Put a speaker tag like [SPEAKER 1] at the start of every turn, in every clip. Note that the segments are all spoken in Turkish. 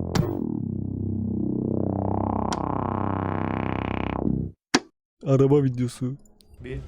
[SPEAKER 1] Araba videosu.
[SPEAKER 2] Bir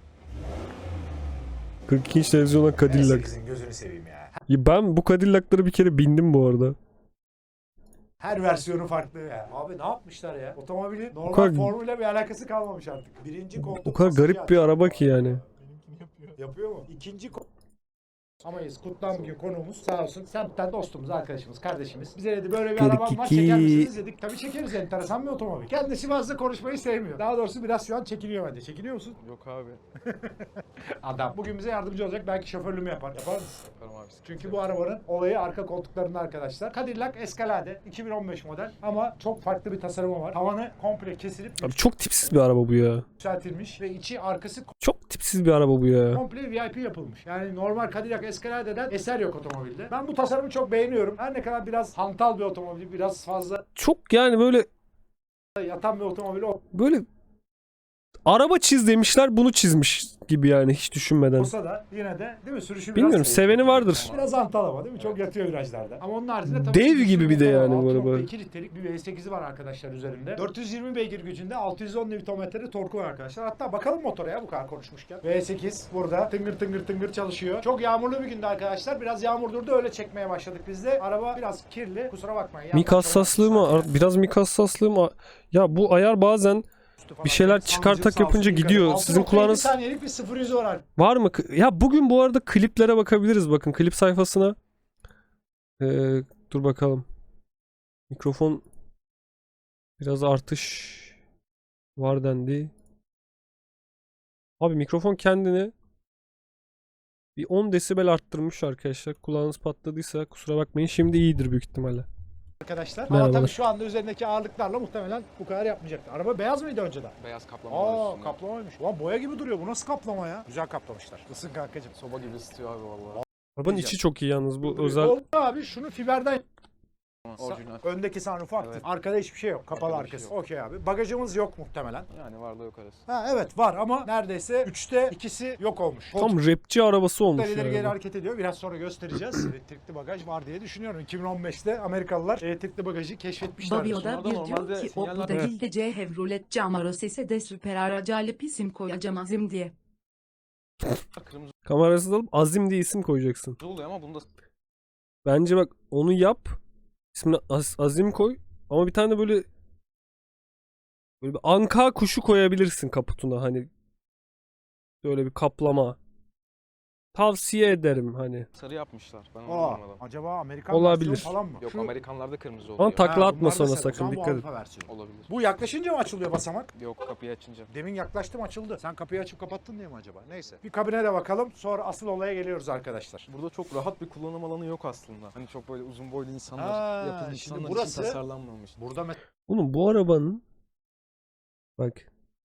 [SPEAKER 1] 42 inç televizyona Cadillac.
[SPEAKER 2] V8'in gözünü seveyim ya.
[SPEAKER 1] Ya ben bu Cadillac'lara bir kere bindim bu arada.
[SPEAKER 2] Her versiyonu farklı ya. Abi ne yapmışlar ya? Otomobilin normal
[SPEAKER 1] kadar-
[SPEAKER 2] formuyla bir alakası kalmamış artık. Birinci koltuk
[SPEAKER 1] O kadar
[SPEAKER 2] masajı
[SPEAKER 1] garip bir araba ki yani.
[SPEAKER 2] Yapıyor mu? İkinci Amayız kutlan bugün konuğumuz sağ olsun. Semtten dostumuz, arkadaşımız, kardeşimiz. Bize dedi böyle bir arabam var, çeker misiniz dedik. Tabii çekeriz, enteresan bir otomobil. Kendisi fazla konuşmayı sevmiyor. Daha doğrusu biraz şu an çekiniyor bence. Çekiniyor musun?
[SPEAKER 3] Yok abi.
[SPEAKER 2] Adam. Bugün bize yardımcı olacak. Belki şoförlüğümü yapar. Yapar mısın?
[SPEAKER 3] Yaparım abi.
[SPEAKER 2] Çünkü bu arabanın olayı arka koltuklarında arkadaşlar. Cadillac Escalade 2015 model ama çok farklı bir tasarımı var. Tavanı komple kesilip
[SPEAKER 1] Abi çok tipsiz bir araba bu ya.
[SPEAKER 2] yükseltilmiş ve içi arkası
[SPEAKER 1] Çok tipsiz bir araba bu ya.
[SPEAKER 2] komple VIP yapılmış. Yani normal Cadillac Escalade'den eser yok otomobilde. Ben bu tasarımı çok beğeniyorum. Her ne kadar biraz hantal bir otomobil, biraz fazla
[SPEAKER 1] Çok yani böyle
[SPEAKER 2] yatan bir otomobil
[SPEAKER 1] böyle araba çiz demişler, bunu çizmiş gibi yani hiç düşünmeden.
[SPEAKER 2] olsa da yine de değil mi? Sürüşü
[SPEAKER 1] Bilmiyorum,
[SPEAKER 2] biraz
[SPEAKER 1] seveni vardır.
[SPEAKER 2] Biraz hantal ama değil mi? Çok yatıyor virajlarda. Ama onun haricinde tabii
[SPEAKER 1] Dev
[SPEAKER 2] ki
[SPEAKER 1] gibi bir de
[SPEAKER 2] motor var.
[SPEAKER 1] yani bu araba.
[SPEAKER 2] 6.2 litrelik bir V8'i var arkadaşlar üzerinde. 420 beygir gücünde 610 Nm'de torku var arkadaşlar. Hatta bakalım motora ya bu kadar konuşmuşken. V8 burada tıngır tıngır tıngır çalışıyor. Çok yağmurlu bir günde arkadaşlar. Biraz yağmur durdu, öyle çekmeye başladık biz de. Araba biraz kirli. Kusura bakmayın.
[SPEAKER 1] Mik hassaslığı mı? Biraz mik hassaslığı mı? Ya bu ayar bazen bir şeyler çıkartak yapınca gidiyor. Sizin kulağınız
[SPEAKER 2] saniyelik bir 0-100'ü var artık.
[SPEAKER 1] var mı? Ya bugün bu arada kliplere bakabiliriz. Bakın klip sayfasına. Dur bakalım. Mikrofon biraz artış var dendi. Abi mikrofon kendini bir 10 desibel arttırmış arkadaşlar. Kulağınız patladıysa kusura bakmayın. Şimdi iyidir büyük ihtimalle.
[SPEAKER 2] Arkadaşlar. Ama
[SPEAKER 1] Merhabalar.
[SPEAKER 2] tabii şu anda üzerindeki ağırlıklarla muhtemelen bu kadar yapmayacaktı. Araba beyaz mıydı önceden?
[SPEAKER 3] Beyaz kaplama var
[SPEAKER 2] Aa,
[SPEAKER 3] üstünde.
[SPEAKER 2] kaplamaymış. Ulan boya gibi duruyor. Bu nasıl kaplama ya? Güzel kaplamışlar. Isın kankacığım.
[SPEAKER 3] Soba gibi ısıtıyor abi vallahi.
[SPEAKER 1] Arabanın içi çok iyi yalnız, bu özel.
[SPEAKER 2] Oldu abi, şunu fiberden.
[SPEAKER 3] Orijinal.
[SPEAKER 2] Öndeki sunroofu aktif.
[SPEAKER 3] Evet.
[SPEAKER 2] Arkada hiçbir şey yok. Kapalı
[SPEAKER 3] Arkada bir şey
[SPEAKER 2] arkası.
[SPEAKER 3] yok.
[SPEAKER 2] Okey abi. Bagajımız yok muhtemelen.
[SPEAKER 3] Yani varlığı yok arası.
[SPEAKER 2] Ha evet var ama neredeyse 3'te 2'si yok olmuş.
[SPEAKER 1] Tam rapçi arabası olmuş
[SPEAKER 2] Koltuklar ileri geri
[SPEAKER 1] yani.
[SPEAKER 2] hareket ediyor. Biraz sonra göstereceğiz. Elektrikli bagaj var diye düşünüyorum. 2015'te Amerikalılar elektrikli bagajı keşfetmişler.
[SPEAKER 4] Babio'da
[SPEAKER 3] Sonradan
[SPEAKER 4] bir diyor
[SPEAKER 3] normalde
[SPEAKER 4] ki o
[SPEAKER 3] sinyaller-
[SPEAKER 4] bu değil de Chevrolet Camaro sese de süper araca alıp isim koyacağım azim diye.
[SPEAKER 3] Kırmızı
[SPEAKER 1] Kamerasız alıp Azim diye isim koyacaksın.
[SPEAKER 3] oluyor ama bunda
[SPEAKER 1] Bence bak onu yap. İsmini Azim koy. Ama bir tane de böyle bir anka kuşu koyabilirsin kaputuna, hani böyle bir kaplama. Tavsiye ederim hani.
[SPEAKER 3] sarı yapmışlar. Ben onu
[SPEAKER 2] Aa,
[SPEAKER 3] anlamadım.
[SPEAKER 2] acaba Amerikan
[SPEAKER 1] Olabilir.
[SPEAKER 2] versiyonu falan mı?
[SPEAKER 3] Yok,
[SPEAKER 2] Şu-
[SPEAKER 3] Amerikanlarda kırmızı
[SPEAKER 1] Ama
[SPEAKER 3] oluyor.
[SPEAKER 1] takla
[SPEAKER 2] Ha,
[SPEAKER 1] atma
[SPEAKER 2] bunlar da
[SPEAKER 1] sonra
[SPEAKER 2] sarı. O
[SPEAKER 1] sakın,
[SPEAKER 2] zaman bu
[SPEAKER 1] dikkat et.
[SPEAKER 2] Avrupa versiyonu.
[SPEAKER 3] Olabilir.
[SPEAKER 2] Bu yaklaşınca mı açılıyor basamak?
[SPEAKER 3] Yok, kapıyı açınca.
[SPEAKER 2] Demin yaklaştım, açıldı. Sen kapıyı açıp kapattın diye mi acaba? Neyse. Bir kabine de bakalım. Sonra asıl olaya geliyoruz arkadaşlar.
[SPEAKER 3] Burada çok rahat bir kullanım alanı yok aslında. Hani çok böyle uzun boylu insanlar,
[SPEAKER 2] Ha,
[SPEAKER 3] yapılı
[SPEAKER 2] şimdi
[SPEAKER 3] insanlar
[SPEAKER 2] burası-
[SPEAKER 3] için tasarlanmamış.
[SPEAKER 2] Burada
[SPEAKER 1] Oğlum bu arabanın bak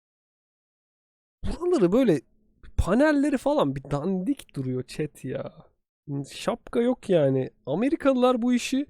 [SPEAKER 1] buraları böyle panelleri falan bir dandik duruyor chat ya. Şapka yok yani. Amerikalılar bu işi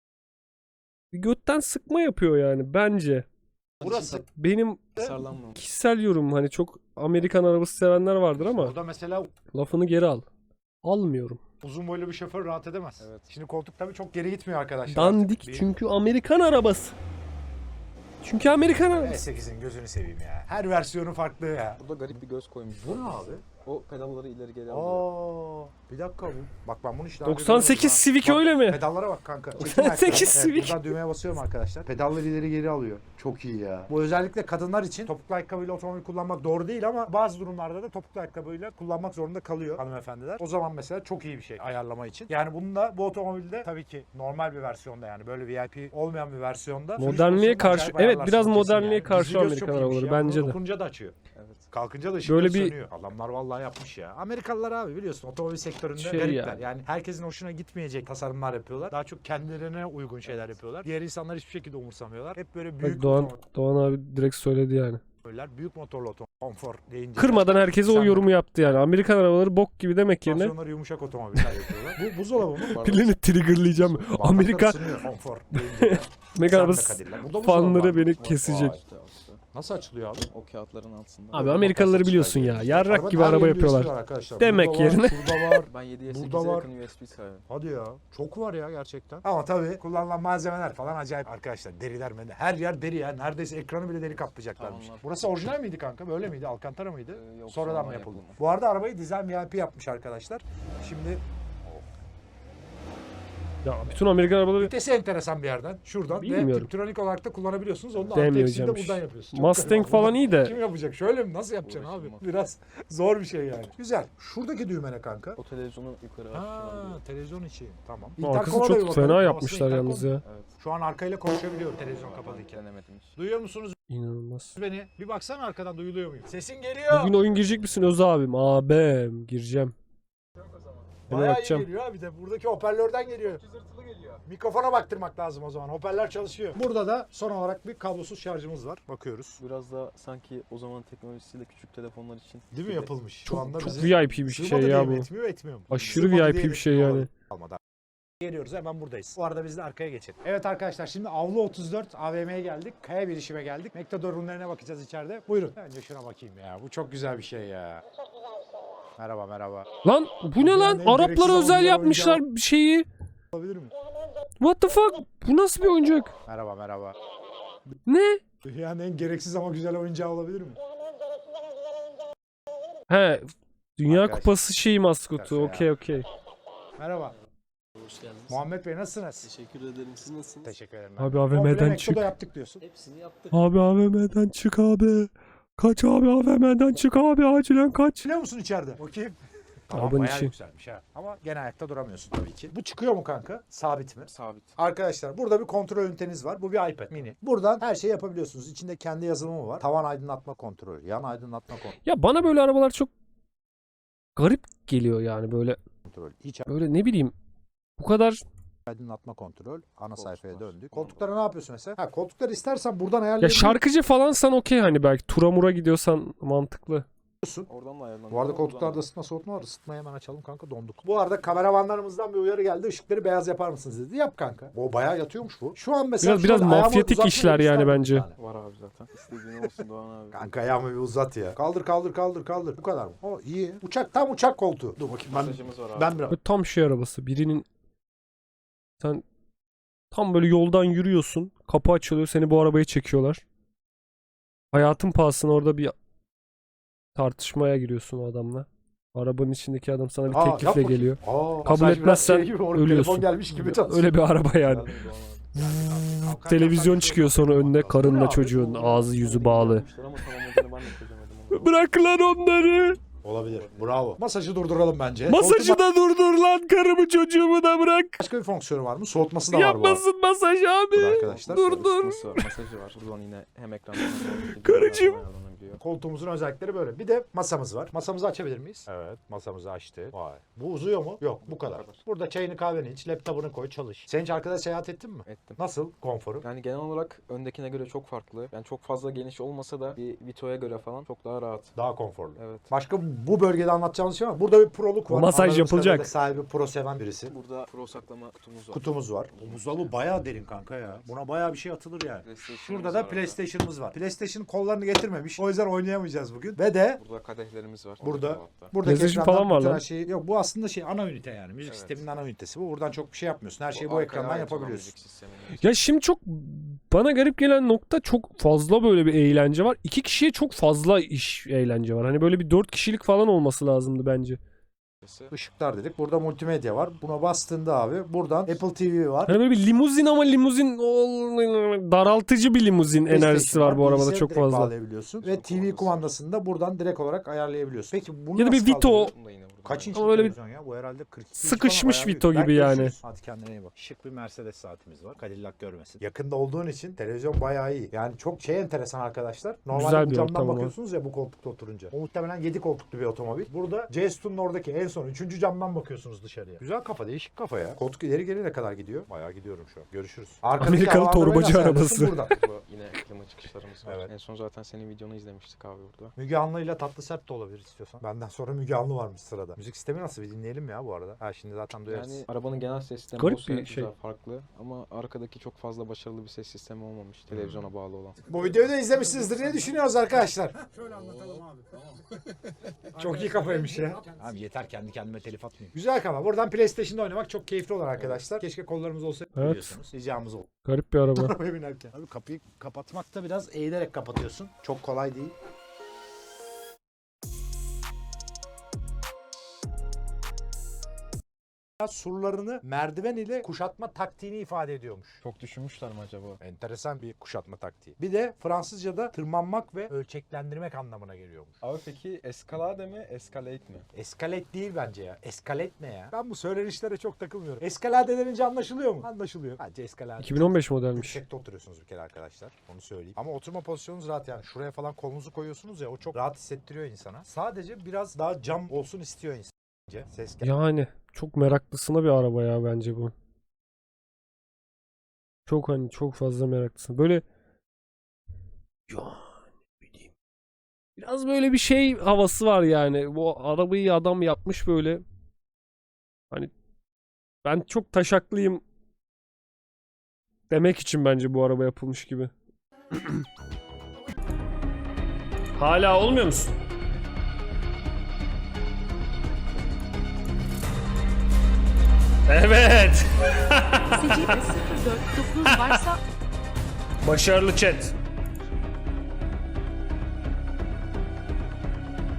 [SPEAKER 1] bir götten sıkma yapıyor yani bence.
[SPEAKER 2] burası.
[SPEAKER 1] Benim
[SPEAKER 3] Tasarlanmamış.
[SPEAKER 1] kişisel yorum, hani çok Amerikan arabası sevenler vardır ama
[SPEAKER 2] Burada mesela
[SPEAKER 1] lafını geri al. Almıyorum.
[SPEAKER 2] uzun boylu bir şoför rahat edemez.
[SPEAKER 3] Evet.
[SPEAKER 2] Şimdi koltuk tabii çok geri gitmiyor arkadaşlar.
[SPEAKER 1] Dandik
[SPEAKER 2] Artık.
[SPEAKER 1] çünkü Amerikan arabası. Çünkü Amerikan arabası.
[SPEAKER 2] V8'in gözünü seveyim ya. Her versiyonu farklı ya.
[SPEAKER 3] Burada garip bir göz koymuş.
[SPEAKER 2] Bu ne abi?
[SPEAKER 3] O pedalları ileri geri alıyor.
[SPEAKER 2] Aa, bir dakika bu. Bak ben bunu hiç daha önce
[SPEAKER 1] 98
[SPEAKER 2] görmedim ha.
[SPEAKER 1] Civic
[SPEAKER 2] Bak,
[SPEAKER 1] öyle mi?
[SPEAKER 2] Pedallara bak kanka. Çekin
[SPEAKER 1] 98
[SPEAKER 2] ayakları.
[SPEAKER 1] Civic.
[SPEAKER 2] Buradan düğmeye basıyorum arkadaşlar. Pedalları ileri geri alıyor. Çok iyi ya. Bu özellikle kadınlar için topuklu ayakkabıyla otomobil kullanmak doğru değil ama bazı durumlarda da topuklu ayakkabıyla kullanmak zorunda kalıyor hanımefendiler. O zaman mesela çok iyi bir şey ayarlama için. Yani bunun da bu otomobilde tabii ki normal bir versiyonda, yani böyle VIP olmayan bir versiyonda. sürüş
[SPEAKER 1] Modernliğe
[SPEAKER 2] pozisyonunu
[SPEAKER 1] karşı-
[SPEAKER 2] acayip
[SPEAKER 1] evet,
[SPEAKER 2] ayarlarsın
[SPEAKER 1] biraz
[SPEAKER 2] kesin
[SPEAKER 1] modernliğe
[SPEAKER 2] yani.
[SPEAKER 1] karşı
[SPEAKER 2] Gizli göz
[SPEAKER 1] Amerikan
[SPEAKER 2] çok iyiymiş
[SPEAKER 1] arabaları,
[SPEAKER 2] ya.
[SPEAKER 1] bence
[SPEAKER 2] Bunu
[SPEAKER 1] de.
[SPEAKER 2] dokununca da açıyor.
[SPEAKER 3] Evet.
[SPEAKER 2] Kalkınca da ışık
[SPEAKER 1] Böyle
[SPEAKER 2] böyle
[SPEAKER 1] bir-
[SPEAKER 2] sönüyor. Adamlar vallahi yapmış ya. Amerikalılar abi biliyorsun otomobil sektöründe
[SPEAKER 1] Şey
[SPEAKER 2] garipler.
[SPEAKER 1] yani.
[SPEAKER 2] Yani herkesin hoşuna gitmeyecek tasarımlar yapıyorlar. Daha çok kendilerine uygun şeyler yapıyorlar. Diğer insanlar hiçbir şekilde umursamıyorlar. Hep böyle büyük
[SPEAKER 1] Bak Doğan abi direkt söyledi yani.
[SPEAKER 2] otomobiller, büyük motorlu otomobil, konfor deyince.
[SPEAKER 1] Kırmadan herkese o
[SPEAKER 2] Sen de-
[SPEAKER 1] yorumu yaptı yani. Amerikan arabaları bok gibi demek yerine
[SPEAKER 2] Tansiyonları yumuşak otomobiller yapıyorlar. Bu buzdolabı mı?
[SPEAKER 1] pilini triggerlayacağım. Amerika
[SPEAKER 2] Bardaklar ısınıyor, konfor deyince.
[SPEAKER 1] Amerikan
[SPEAKER 2] Sen de
[SPEAKER 1] arabası
[SPEAKER 2] Cadillac. Burada buzdolabı var.
[SPEAKER 1] fanları beni
[SPEAKER 3] Vay,
[SPEAKER 1] kesecek.
[SPEAKER 3] işte.
[SPEAKER 2] Nasıl açılıyor abi?
[SPEAKER 3] O kağıtların altında.
[SPEAKER 1] Abi Amerikalıları biliyorsun ya. Yarrak
[SPEAKER 2] Arabanın
[SPEAKER 1] gibi
[SPEAKER 2] her
[SPEAKER 1] araba
[SPEAKER 2] yerinde USB
[SPEAKER 1] yapıyorlar.
[SPEAKER 2] var arkadaşlar.
[SPEAKER 1] Demek
[SPEAKER 2] Burada var,
[SPEAKER 1] yerine.
[SPEAKER 2] Şurada var.
[SPEAKER 3] Ben 7'ye
[SPEAKER 2] Burada
[SPEAKER 3] 8'e
[SPEAKER 2] var.
[SPEAKER 3] yakın USB sahibim.
[SPEAKER 2] Hadi ya. Çok var ya gerçekten. Ama tabii kullanılan malzemeler falan acayip arkadaşlar. Deriler mi? Her yer deri ya. Neredeyse ekranı bile deri kaplayacaklarmış.
[SPEAKER 3] Tavanlar.
[SPEAKER 2] Burası orijinal miydi kanka? Böyle miydi? Alcantara mıydı?
[SPEAKER 3] Yok,
[SPEAKER 2] Sonradan
[SPEAKER 3] sonradan
[SPEAKER 2] mı yapıldı?
[SPEAKER 3] yapıldı.
[SPEAKER 2] Bu arada arabayı Design VIP yapmış arkadaşlar. Şimdi
[SPEAKER 1] Ya bütün Amerikan arabaları
[SPEAKER 2] vitesi enteresan bir yerden. Şuradan.
[SPEAKER 1] Bilmiyorum.
[SPEAKER 2] Ve Tiptronic olarak da kullanabiliyorsunuz. Onu da
[SPEAKER 1] Demiyor
[SPEAKER 2] artı eksiğini de
[SPEAKER 1] hocam.
[SPEAKER 2] buradan yapıyorsun. Çok
[SPEAKER 1] Mustang
[SPEAKER 2] garip.
[SPEAKER 1] falan iyi de.
[SPEAKER 2] Kim yapacak? Şöyle mi? Nasıl yapacaksın abi?
[SPEAKER 3] Uğraşılmaz.
[SPEAKER 2] Biraz zor bir şey yani. Güzel. Şuradaki düğme ne kanka?
[SPEAKER 3] O televizyonu yukarı
[SPEAKER 2] Ha,
[SPEAKER 3] açtım.
[SPEAKER 2] televizyon içi. Tamam.
[SPEAKER 1] Arkası
[SPEAKER 2] Intercom'a da bir
[SPEAKER 1] çok
[SPEAKER 2] bakalım.
[SPEAKER 1] fena
[SPEAKER 2] Havasında
[SPEAKER 1] yapmışlar
[SPEAKER 2] intercom.
[SPEAKER 1] yalnız ya.
[SPEAKER 3] Evet.
[SPEAKER 2] Şu an arkayla konuşabiliyorum televizyon kapalıyken.
[SPEAKER 3] Denemedim hiç.
[SPEAKER 2] Duyuyor musunuz
[SPEAKER 1] İnanılmaz.
[SPEAKER 2] beni? Bir baksana arkadan duyuluyor muyum? Sesin geliyor.
[SPEAKER 1] Bugün oyun girecek misin Öz abim? Abim gireceğim. Hemen
[SPEAKER 2] Bayağı iyi
[SPEAKER 1] bakacağım.
[SPEAKER 2] geliyor abi de buradaki hoparlörden geliyor. Mikrofona baktırmak lazım o zaman. Hoparlör çalışıyor. Burada da son olarak bir kablosuz şarjımız var. Bakıyoruz.
[SPEAKER 3] Biraz da sanki o zaman teknolojisiyle küçük telefonlar için.
[SPEAKER 2] Değil mi yapılmış? Şu anda
[SPEAKER 1] Çok
[SPEAKER 2] bizi
[SPEAKER 1] VIP bir
[SPEAKER 2] sığmadı
[SPEAKER 1] şey
[SPEAKER 2] diye
[SPEAKER 1] ya
[SPEAKER 2] mi
[SPEAKER 1] bu.
[SPEAKER 2] Etmiyor, etmiyor mu?
[SPEAKER 1] Aşırı
[SPEAKER 2] Sığmadı
[SPEAKER 1] VIP
[SPEAKER 2] diye
[SPEAKER 1] bir şey
[SPEAKER 2] etmiyor
[SPEAKER 1] yani.
[SPEAKER 2] olabilir. Almadı. Geliyoruz hemen buradayız. Bu arada biz de arkaya geçelim. Evet arkadaşlar şimdi Avlu 34 AVM'ye geldik. Kaya bilişime geldik. Mektador ürünlerine bakacağız içeride. Buyurun. Önce şuna bakayım ya. Bu çok güzel bir şey ya. Merhaba merhaba.
[SPEAKER 1] Lan bu ne lan?
[SPEAKER 2] Yani gereksiz
[SPEAKER 1] Araplara özel
[SPEAKER 2] oyuncağı
[SPEAKER 1] yapmışlar bir şeyi.
[SPEAKER 2] Olabilir mi?
[SPEAKER 1] What the fuck? Bu nasıl bir oyuncak?
[SPEAKER 2] Merhaba merhaba.
[SPEAKER 1] Ne?
[SPEAKER 2] Yani en gereksiz ama güzel oyuncağı olabilir mi?
[SPEAKER 1] He. Dünya
[SPEAKER 2] Arkadaşlar.
[SPEAKER 1] Kupası şeyi maskotu.
[SPEAKER 2] Ya.
[SPEAKER 1] Okey okey.
[SPEAKER 2] Merhaba.
[SPEAKER 5] Hoş geldiniz.
[SPEAKER 2] Muhammed Bey nasılsınız?
[SPEAKER 5] Teşekkür ederim. Siz nasılsınız?
[SPEAKER 2] Teşekkür ederim.
[SPEAKER 1] Abi
[SPEAKER 2] Komple
[SPEAKER 1] AVM'den
[SPEAKER 2] Mekto'da
[SPEAKER 1] çık.
[SPEAKER 2] yaptık diyorsun.
[SPEAKER 5] Hepsini yaptık.
[SPEAKER 1] Abi AVM'den çık abi. Kaç abi AVM'den çık abi acilen kaç.
[SPEAKER 2] Biliyor musun içeride? Bakayım. Tamam
[SPEAKER 1] Arabanın
[SPEAKER 2] bayağı
[SPEAKER 1] içi.
[SPEAKER 2] yükselmiş ha. Ama gene ayakta duramıyorsun tabii ki. Bu çıkıyor mu kanka? Sabit mi?
[SPEAKER 3] Sabit.
[SPEAKER 2] Arkadaşlar burada bir kontrol üniteniz var. Bu bir iPad mini. Buradan her şeyi yapabiliyorsunuz. İçinde kendi yazılımı var. Tavan aydınlatma kontrolü, yan aydınlatma
[SPEAKER 1] Ya bana böyle arabalar çok garip geliyor yani böyle
[SPEAKER 2] kontrolü, iç
[SPEAKER 1] böyle ne bileyim bu kadar
[SPEAKER 2] aydınlatma kontrol. Ana sayfaya
[SPEAKER 3] Koltuklar.
[SPEAKER 2] döndük. Koltuklara ne yapıyorsun mesela? Ha koltukları istersen buradan
[SPEAKER 1] ya
[SPEAKER 2] ayarlayabiliyorsun.
[SPEAKER 1] şarkıcı falansan okey hani belki tura mura gidiyorsan mantıklı.
[SPEAKER 3] Oradan da ayarlanıyor.
[SPEAKER 2] Bu arada koltuklarda ısıtma soğutma var. Isıtmayı hemen açalım kanka donduk. Bu arada kameramanlarımızdan bir uyarı geldi. Işıkları beyaz yapar mısınız dedi. Yap kanka. O bayağı yatıyormuş bu. Şu an mesela
[SPEAKER 1] Biraz
[SPEAKER 2] şöyle ayağımı
[SPEAKER 1] mafyatik
[SPEAKER 2] uzatmayı
[SPEAKER 1] işler yani
[SPEAKER 2] isterdim
[SPEAKER 1] bence.
[SPEAKER 2] bir tane.
[SPEAKER 3] Var abi zaten. İstediğin olsun Doğan abi.
[SPEAKER 2] Kanka ayağımı bir uzat ya. Kaldır kaldır kaldır kaldır. Bu kadar mı? O iyi. Uçak tam uçak koltuğu. Dur bakayım ben
[SPEAKER 3] Mesajımız var abi.
[SPEAKER 2] ben biraz
[SPEAKER 1] Böyle tam şey arabası. Birinin sen tam böyle yoldan yürüyorsun. Kapı açılıyor. Seni bu arabaya çekiyorlar. Hayatın pahasına orada bir tartışmaya giriyorsun o adamla. Arabanın içindeki adam sana bir
[SPEAKER 2] Aa, yap
[SPEAKER 1] teklifle
[SPEAKER 2] bakayım.
[SPEAKER 1] geliyor.
[SPEAKER 2] Kabul
[SPEAKER 1] Kabul etmezsen
[SPEAKER 2] Telefon
[SPEAKER 1] ölüyorsun.
[SPEAKER 2] gelmiş gibi çalışıyor.
[SPEAKER 1] Öyle bir araba yani.
[SPEAKER 3] Geldi Doğan abi.
[SPEAKER 1] Televizyon çıkıyor sonra önüne karınla çocuğun ağzı yüzü bağlı.
[SPEAKER 3] Yapmışlar ama tamamladığını ben de çözemedim onu.
[SPEAKER 1] Bırak lan onları.
[SPEAKER 2] Olabilir. Bravo. Masajı durduralım bence.
[SPEAKER 1] Masajı da durdur lan karımı çocuğumu da bırak.
[SPEAKER 2] Başka bir fonksiyonu var mı? Soğutması da var bu arada.
[SPEAKER 1] Yapmasın masaj abi.
[SPEAKER 2] Bu arkadaşlar.
[SPEAKER 1] Durdur.
[SPEAKER 3] Isıtması var, masajı var. Buradan yine hem ekranda hem de
[SPEAKER 1] Karıcığım.
[SPEAKER 3] ayarlanabiliyor.
[SPEAKER 2] Koltuğumuzun özellikleri böyle. Bir de masamız var. Masamızı açabilir miyiz? Evet. Masamızı açtık. Vay. Bu uzuyor mu? Yok. Bu kadar. Burada çayını kahveni iç. Laptopunu koy. Çalış. Sen hiç arkada seyahat ettin mi?
[SPEAKER 3] Ettim.
[SPEAKER 2] Nasıl? Konforu.
[SPEAKER 3] Yani genel olarak öndekine göre çok farklı. Yani çok fazla geniş olmasa da bir Vito'ya göre falan çok daha rahat.
[SPEAKER 2] Daha konforlu.
[SPEAKER 3] Evet.
[SPEAKER 2] Başka bu bölgede anlatacağımız şey var. Burada bir proluk var.
[SPEAKER 1] Masaj
[SPEAKER 2] Anladığımız
[SPEAKER 1] yapılacak.
[SPEAKER 2] kadarıyla sahibi pro seven birisi.
[SPEAKER 3] Burada pro saklama kutumuz var.
[SPEAKER 2] Kutumuz var. Bu buzdolabı bayağı derin kanka ya. Buna bayağı bir şey atılır yani.
[SPEAKER 3] PlayStation'ımız
[SPEAKER 2] Şurada
[SPEAKER 3] var
[SPEAKER 2] da
[SPEAKER 3] orada.
[SPEAKER 2] PlayStation'ımız var. PlayStation kollarını getirmemiş. O yüzden oynayamayacağız bugün. Ve de
[SPEAKER 3] Burada kadehlerimiz var.
[SPEAKER 2] Burada.
[SPEAKER 3] Orta dolapta.
[SPEAKER 2] buradaki
[SPEAKER 1] PlayStation
[SPEAKER 2] ekrandan
[SPEAKER 1] falan var
[SPEAKER 2] bütün
[SPEAKER 1] lan.
[SPEAKER 2] her şeyi... Yok bu aslında şey ana ünite yani. Müzik
[SPEAKER 3] Evet.
[SPEAKER 2] sisteminin ana ünitesi bu. Buradan çok bir şey yapmıyorsun. Her şeyi bu
[SPEAKER 3] arkaya
[SPEAKER 2] ekrandan
[SPEAKER 3] ait olan
[SPEAKER 2] yapabiliyorsun.
[SPEAKER 3] müzik sisteminin.
[SPEAKER 1] Ya şimdi çok bana garip gelen nokta çok fazla böyle bir eğlence var. 2 kişiye çok fazla eğlence var. Hani böyle bir 4 kişilik falan olması lazımdı bence.
[SPEAKER 2] Işıklar dedik. Burada multimedya var. Buna bastığında abi buradan Apple TV var.
[SPEAKER 1] Hani böyle bir limuzin ama limuzin daraltıcı bir limuzin enerjisi
[SPEAKER 2] PlayStation
[SPEAKER 1] var bu arabada
[SPEAKER 2] bilgisayarı
[SPEAKER 1] çok
[SPEAKER 2] direkt
[SPEAKER 1] fazla.
[SPEAKER 2] bağlayabiliyorsun. Ve TV kumandasını da buradan direkt olarak ayarlayabiliyorsun. Peki bunu
[SPEAKER 1] Ya da bir
[SPEAKER 2] nasıl
[SPEAKER 1] Vito
[SPEAKER 2] kaldırıyorsun?
[SPEAKER 3] Bunu da yine buradan
[SPEAKER 2] Kaç inç
[SPEAKER 1] Ama öyle bir
[SPEAKER 2] televizyon ya? Bu herhalde 42 inç
[SPEAKER 1] sıkışmış
[SPEAKER 2] falan, bayağı
[SPEAKER 1] Vito
[SPEAKER 2] büyük.
[SPEAKER 1] gibi
[SPEAKER 2] Belki
[SPEAKER 1] yani.
[SPEAKER 2] görüşürüz. Hadi kendine iyi bak. Şık bir Mercedes saatimiz var. Cadillac görmesin. Yakında olduğun için televizyon bayağı iyi. Yani çok şey enteresan arkadaşlar. Normalde
[SPEAKER 1] Güzel
[SPEAKER 2] bu
[SPEAKER 1] bir
[SPEAKER 2] camdan
[SPEAKER 1] ortam ama.
[SPEAKER 2] bakıyorsunuz ya bu koltukta oturunca. O muhtemelen 7 koltuklu bir otomobil. Burada J-Stone'un oradaki en son 3. camdan bakıyorsunuz dışarıya. Güzel kafa, değişik kafa ya. Koltuk ileri geri ne kadar gidiyor? Bayağı gidiyorum şu an. Görüşürüz. Arkadaki
[SPEAKER 1] Amerikalı
[SPEAKER 2] havalandırmayı
[SPEAKER 1] torbacı
[SPEAKER 2] nasıl ayarlıyorsun?
[SPEAKER 1] arabası.
[SPEAKER 2] Buradan.
[SPEAKER 3] Bu yine arttırma çıkışlarımız var.
[SPEAKER 2] Evet.
[SPEAKER 3] En son zaten senin videonu izlemiştik abi burada.
[SPEAKER 2] Müge Anlı'yla Tatlı Sert de olabilir istiyorsan. Benden sonra Müge Anlı varmış sırada. Müzik sistemi nasıl bir dinleyelim ya bu arada. Ha şimdi zaten duyarız.
[SPEAKER 3] Yani arabanın genel ses sistemi
[SPEAKER 1] Garip
[SPEAKER 3] olsa
[SPEAKER 1] bir
[SPEAKER 3] güzel,
[SPEAKER 1] şey.
[SPEAKER 3] farklı ama arkadaki çok fazla başarılı bir ses sistemi olmamış televizyona bağlı olan.
[SPEAKER 2] Bu videoyu da izlemişsinizdir. Ne düşünüyoruz arkadaşlar?
[SPEAKER 6] Şöyle anlatalım abi.
[SPEAKER 2] Çok iyi kafaymış ya. Abi yeter kendi kendime telif atmayayım. Güzel kafa. Buradan PlayStation'da oynamak çok keyifli olur arkadaşlar. Keşke kollarımız olsa
[SPEAKER 1] Evet.
[SPEAKER 2] biliyorsunuz. Ricamız oldu.
[SPEAKER 1] Garip bir araba.
[SPEAKER 2] Arabaya binerken. Abi kapıyı kapatmakta biraz eğilerek kapatıyorsun. Çok kolay değil. Surlarını merdiven ile kuşatma taktiğini ifade ediyormuş.
[SPEAKER 3] Çok düşünmüşler mi acaba?
[SPEAKER 2] Enteresan bir kuşatma taktiği. Bir de Fransızca'da tırmanmak ve ölçeklendirmek anlamına geliyormuş.
[SPEAKER 3] Abi peki eskalade mi, escalate mi?
[SPEAKER 2] Eskalate değil bence ya. Eskalate ne ya? Ben bu söylenişlere çok takılmıyorum. Eskalade denince anlaşılıyor mu? Anlaşılıyor. Bence eskalade.
[SPEAKER 1] 2015 modelmiş.
[SPEAKER 2] Yüksekte oturuyorsunuz bir kere arkadaşlar. Onu söyleyeyim. Ama oturma pozisyonunuz rahat yani. Şuraya falan kolunuzu koyuyorsunuz ya o çok rahat hissettiriyor insana. Sadece biraz daha cam olsun istiyor insan. Ses
[SPEAKER 1] Yani çok meraklısına bir araba ya bence bu. Çok hani çok fazla meraklısına. Böyle ya ne bileyim. Biraz böyle bir şey havası var yani. Bu arabayı adam yapmış böyle. Hani ben çok taşaklıyım demek için bence bu araba yapılmış gibi. Hala olmuyor musun? Evet.
[SPEAKER 4] Secide 049 varsa
[SPEAKER 1] Başarılı chat.